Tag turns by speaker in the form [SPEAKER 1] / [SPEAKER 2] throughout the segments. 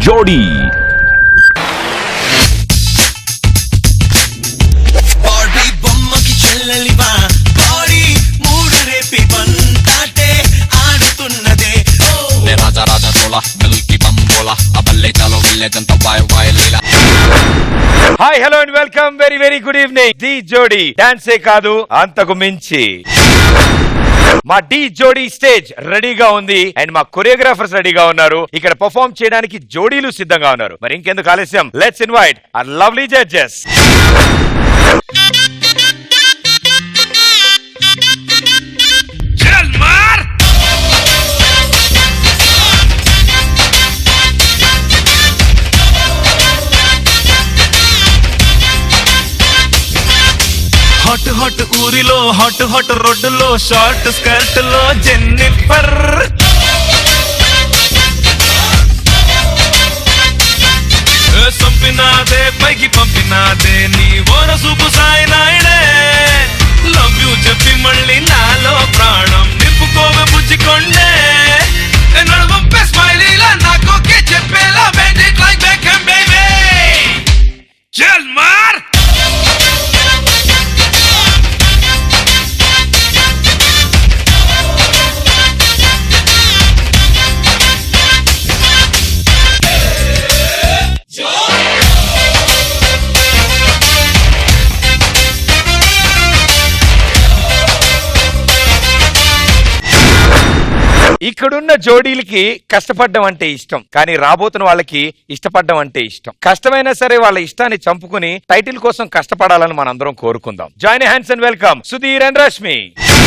[SPEAKER 1] జోడీ.
[SPEAKER 2] Hi hello and welcome very very good evening. Dhee Jodi డాన్సే కాదు అంతకు మించి మా డి జోడీ స్టేజ్ రెడీగా ఉంది అండ్ మా కొరియోగ్రాఫర్స్ రెడీగా ఉన్నారు. ఇక్కడ పర్ఫార్మ్ చేయడానికి జోడీలు సిద్ధంగా ఉన్నారు. మరి ఇంకెందుకు ఆలస్యం, let's invite our lovely judges.
[SPEAKER 3] Hot hot ఊరిలో హాట్ హాట్ రోడ్డులో షార్ట్ స్కర్ట్ లో జెన్నిఫర్, సంపినాదే పైకి పంపినాదే నీ ఓర సూపు సాయి నాయుడే. లవ్ యూ చెప్పి మళ్ళీ నాలో ప్రాణం నింపుకోవ బుజ్జికొండే. నడువంపే స్మైలీలా నాకోకే చెప్పేలా bend it like Beckham baby. చల్ మార్.
[SPEAKER 2] ఇక్కడున్న జోడీలకి కష్టపడడం అంటే ఇష్టం, కానీ రాబోతున్న వాళ్ళకి ఇష్టపడడం అంటే ఇష్టం. కష్టమైనా సరే వాళ్ళ ఇష్టాన్ని చంపుకుని టైటిల్ కోసం కష్టపడాలని మనందరం కోరుకుందాం. Join hands and welcome Sudheer and Rashmi.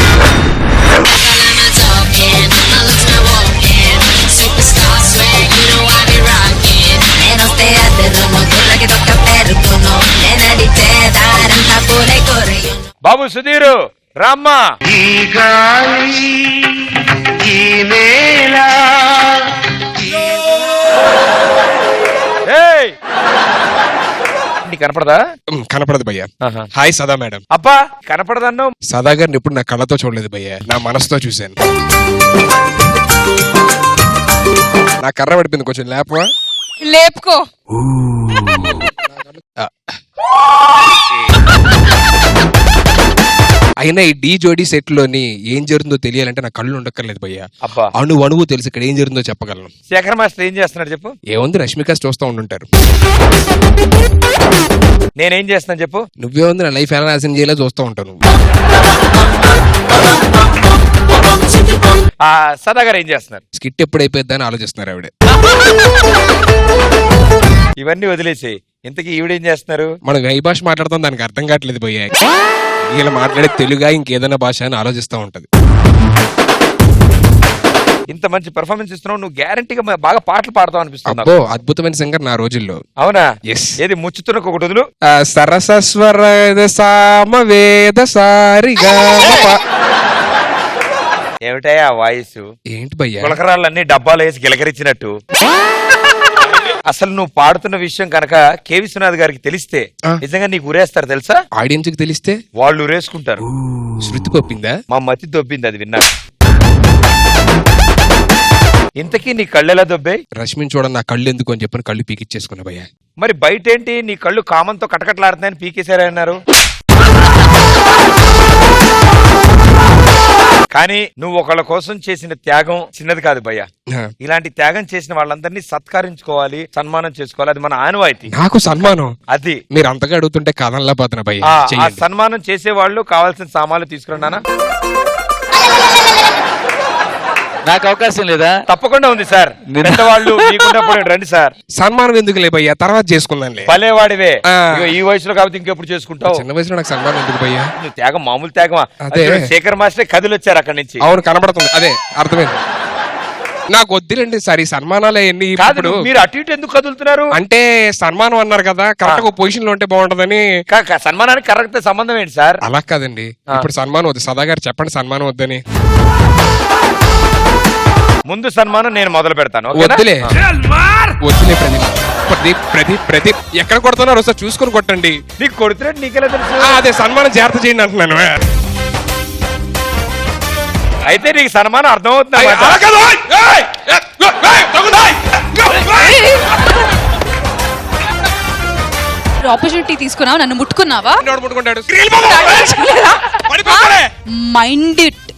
[SPEAKER 2] బాబు సుధీరు, రామ్మా. కనపడదా?
[SPEAKER 4] కనపడదు భయ్యా. హాయ్ సదా మేడం.
[SPEAKER 2] అబ్బా కనపడదన్ను.
[SPEAKER 4] సదా గారిని ఇప్పుడు నా కళ్ళతో చూడలేదు భయ్యా, నా మనసుతో చూశాను. నా కర్ర పడిపోయింది, కొంచెం లేపవా?
[SPEAKER 5] లేపుకో.
[SPEAKER 4] అయినా ఈ డి జోడీ సెట్ లోని ఏం జరుగుతుందో తెలియాలంటే నా కళ్ళు ఉండక్కర్లేదు భయ్యా.
[SPEAKER 2] అబ్బా
[SPEAKER 4] అణువు తెలుసు ఇక్కడ ఏం జరుగుతుందో చెప్పగలను.
[SPEAKER 2] శేఖర్ మాస్టర్ ఏం చేస్తున్నాడు చెప్పు.
[SPEAKER 4] ఏముంది, రష్మిక చూస్తూ ఉండుంటారు.
[SPEAKER 2] నేనేం చేస్తున్నాను చెప్పు.
[SPEAKER 4] నువ్వే ఉంది, నా లైఫ్ ఎలా నాశనం చేయాలో చూస్తూ ఉంటాను.
[SPEAKER 2] సదా గారు ఏం చేస్తున్నారు?
[SPEAKER 4] స్కిట్ ఎప్పుడు అయిపోద్దా అని ఆలోచిస్తున్నారు ఆవిడ.
[SPEAKER 2] ఇవన్నీ వదిలేసి ఇంతకీ ఈవిడేం చేస్తున్నారు?
[SPEAKER 4] మనం ఏ భాష మాట్లాడతాం దానికి అర్థం కావట్లేదు భయ్యా. ఇలా మాట్లాడే తెలుగా ఇంకేదైనా భాష అని ఆలోచిస్తూ ఉంటది.
[SPEAKER 2] ఇంత మంచి పెర్ఫార్మెన్స్ ఇస్తున్నావు, నువ్వు గ్యారంటీగా బాగా పాటలు పాడతావు అనిపిస్తుంది.
[SPEAKER 4] అబ్బో అద్భుతమైన సింగర్ నా రోజుల్లో.
[SPEAKER 2] అవునా?
[SPEAKER 4] ఎస్.
[SPEAKER 2] ఏది ముచ్చుతున్న ఒకటి వదులు.
[SPEAKER 4] సరసస్వర సామవేద సారిగా.
[SPEAKER 2] ఏమిటాయా వాయిస్?
[SPEAKER 4] ఏంటి భయ్యా?
[SPEAKER 2] గులకరాళ్ళన్నీ డబ్బాలు వేసి గిలకరించినట్టు. అసలు నువ్వు పాడుతున్న విషయం కనుక కె విశ్వనాథ్ గారికి తెలిస్తే నిజంగా నీకు ఉరేస్తారు తెలుసా?
[SPEAKER 4] ఆడియన్స్ కి తెలిస్తే
[SPEAKER 2] వాళ్ళు ఉరేసుకుంటారు.
[SPEAKER 4] శృతి పొప్పిందా?
[SPEAKER 2] మా మతి దొబ్బింది అది విన్నా. ఇంతకీ నీ కళ్ళు ఎలా దొబ్బాయి?
[SPEAKER 4] రష్మిని చూడ నా కళ్ళు ఎందుకు అని చెప్పని కళ్ళు పీకిచ్చేసుకున్నా భయ్యా.
[SPEAKER 2] మరి బయట ఏంటి నీ కళ్ళు కామంతో కటకట్లాడుతున్నాయని పీకేశారన్నారు. కానీ నువ్వు ఒకళ్ళ కోసం చేసిన త్యాగం చిన్నది కాదు భయ్యా. ఇలాంటి త్యాగం చేసిన వాళ్ళందరినీ సత్కరించుకోవాలి, సన్మానం చేసుకోవాలి. అది మన ఆనవాయితీ.
[SPEAKER 4] నాకు సన్మానం
[SPEAKER 2] అది
[SPEAKER 4] మీరు అంతగా అడుగుతుంటే కథంలా పోతున్నా భయ్యా.
[SPEAKER 2] ఆ సన్మానం చేసే వాళ్ళు కావాల్సిన సామాన్లు తీసుకున్నానా?
[SPEAKER 6] నాకు అవకాశం లేదా?
[SPEAKER 2] తప్పకుండా ఉంది సార్. పెద్దవాళ్ళు మీకున్నప్పుడు రండి సార్.
[SPEAKER 4] సన్మానం ఎందుకు లే భయ్యా, తర్వాత చేసుకుందాంలే.
[SPEAKER 2] భలేవాడివే. ఈ వయసులో కాబట్టి ఇంకెప్పుడు చేసుకుంటావు?
[SPEAKER 4] చిన్న వయసులో నాకు సన్మానం ఎందుకు భయ్యా?
[SPEAKER 2] నువ్వు త్యాగం మామూలు త్యాగమా?
[SPEAKER 4] అదే
[SPEAKER 2] శేఖర్ మాస్టర్ కదిలి వచ్చారు అక్కడి నుంచి.
[SPEAKER 4] అవును కనబడుతుంది, అదే అర్థమైంది. నాకు వద్దులేండి సార్ ఈ సన్మానాలు ఎన్ని.
[SPEAKER 2] ఇప్పుడు మీరు అటు ఇటు ఎందుకు కదులుతున్నారు?
[SPEAKER 4] అంటే సన్మానం అన్నారు కదా, కరెక్ట్ గా పొజిషన్ లో ఉంటే బాగుంటదని.
[SPEAKER 2] సన్మానానికి కరెక్ట్ సంబంధం ఏంటి సార్?
[SPEAKER 4] అలా కాదండి, ఇప్పుడు సన్మానం వద్దు. సదా గారు చెప్పండి సన్మానం వద్దని.
[SPEAKER 2] ముందు సన్మానం నేను మొదలు పెడతాను.
[SPEAKER 4] వద్దులే వద్దులే ప్రదీప్ ప్రదీప్ ప్రదీప్ ఎక్కడ కొడుతున్నారు ఒకసారి చూసుకొని కొట్టండి.
[SPEAKER 2] నీకు కొడుతున్నట్టు నీకెలా తెలుసు?
[SPEAKER 4] అదే సన్మానం జాగ్రత్త చేయండి అంటున్నాను.
[SPEAKER 2] అయితే నీకు సన్మానం అర్థమవుతుంది.
[SPEAKER 1] ఆపర్చునిటీ తీసుకున్నావు, నన్ను ముట్టుకున్నావా?
[SPEAKER 4] నోడు ముట్టుకుంటాడు
[SPEAKER 1] మైండ్ ఇట్.